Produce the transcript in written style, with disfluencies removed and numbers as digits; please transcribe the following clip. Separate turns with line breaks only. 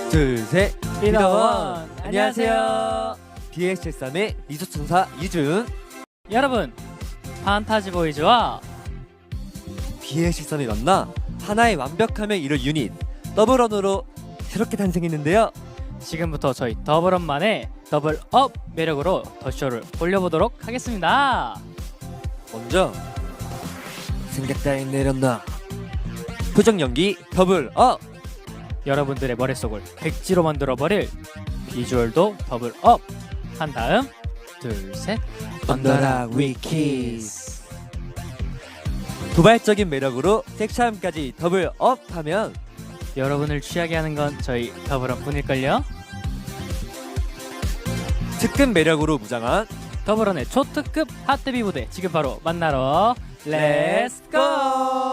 둘, 셋.
리더원 안녕하세요.
BS73의 리소천사 이준.
여러분, 판타지 보이즈와
BS13이 만나 하나의 완벽함을 이룰 유닛 더블원으로 새롭게 탄생했는데요.
지금부터 저희 더블업만의 더블업 매력으로 더 쇼를 올려보도록 하겠습니다.
먼저 생각 따윈 내렸나. 표정 연기 더블업.
여러분들의 머릿속을 백지로 만들어버릴 비주얼도 더블업 한 다음 둘, 셋
언더락 위키스. 도발적인 매력으로 섹시함까지 더블업하면
여러분을 취하게 하는 건 저희 더블업 뿐일걸요.
특급 매력으로 무장한
더블원의 초특급 핫데뷔 무대 지금 바로 만나러 렛츠고!